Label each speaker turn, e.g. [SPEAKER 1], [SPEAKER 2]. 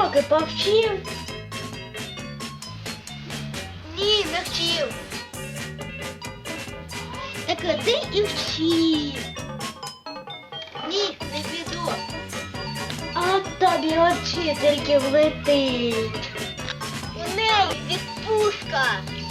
[SPEAKER 1] уроки повчив?
[SPEAKER 2] Ні, не вчив.
[SPEAKER 1] Так іди і вчи.
[SPEAKER 2] Ні, не піду.
[SPEAKER 1] А тобі от вчительки влетить.
[SPEAKER 2] У неї відпустка.